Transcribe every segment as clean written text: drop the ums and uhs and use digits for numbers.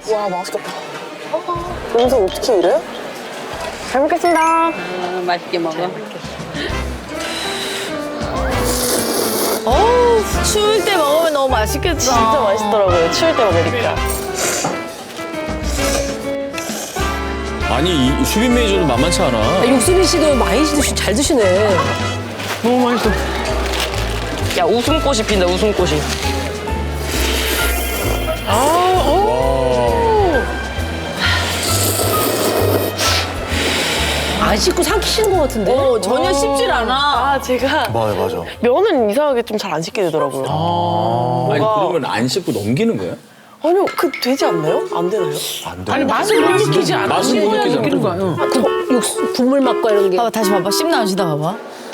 와, 맛있겠다. 여기서 어떻게 이래? 잘 먹겠습니다. 맛있게 먹어. 어우, 추울 때 먹으면 너무 맛있겠다. 진짜 맛있더라고요. 추울 때 먹으니까. 아니 이 수빈 매니저도 만만치 않아. 육수빈 씨도 많이 잘 드시네. 너무 맛있어. 야, 웃음꽃이 핀다, 웃음꽃이. 안 씻고 삼키시는 것 같은데? 전혀 씹질 않아. 아, 제가 맞아. 면은 이상하게 좀 잘 안 씻게 되더라고요. 아니 그러면 안 씻고 넘기는 거야? 아니요, 되지 않나요? 안 되나요? 안 돼. 아니 맛을 못 느끼지 않아. 맛을 못 느끼지 느끼는 않아. 거야. 그 육수, 국물 맛과 이런 게. 봐봐 다시 봐봐 씹나 안 씹나 봐봐.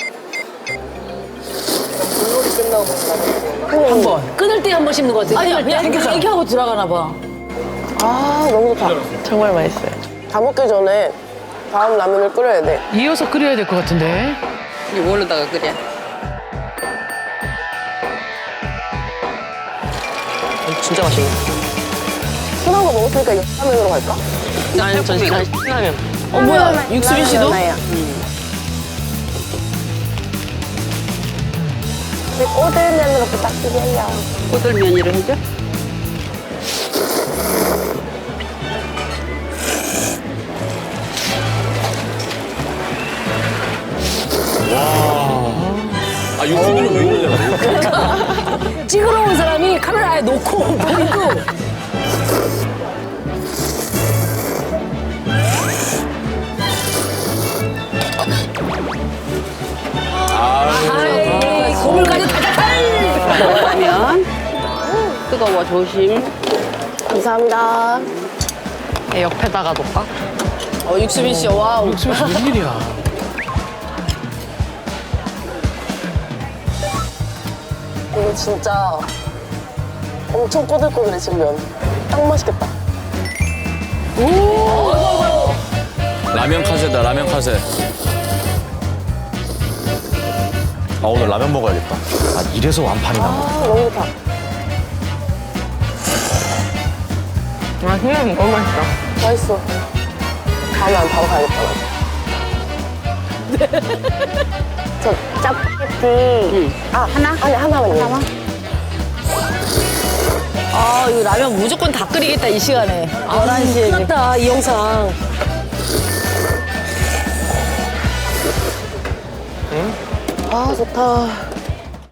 한 번. 끊을 때 한 번 씹는 것 같아. 아니야 그냥 이렇게 하고 들어가나 봐. 아, 너무 좋다. 정말 맛있어요. 다 먹기 전에 다음 라면을 끓여야 돼. 이어서 끓여야 될 것 같은데. 이게 뭘로다가 끓여? 진짜 맛있네. 순한 거 먹었으니까 라면으로 갈까? 아니, 전 신라면. 뭐야, 육수빈 씨도? 꼬들면으로 부탁드려요. 꼬들면이를 해줘? 아 육수빈은 왜 이러냐고. 찍으러 온 사람이 카메라에 놓고 보이고. 아이, 고물까지 달달달! 라면. 뜨거워 조심. 감사합니다. 옆에다가 놓을까? 육수빈 씨, 와우. 무슨 웬일이야. 이거 진짜 엄청 꼬들꼬들해, 지금 면. 딱 맛있겠다. 라면 카세다 라면 카세. 아, 오늘 라면 먹어야겠다. 아, 이래서 완판이 난 거야. 아, 너무 좋다. 너무 맛있다. 맛있어. 다음에 안 바로 가야겠다. 저 짜파게티. 하나? 아니, 하나만요. 아, 이거 라면 무조건 다 끓이겠다, 이 시간에. 11시에. 끝났다, 이 영상. 아, 좋다.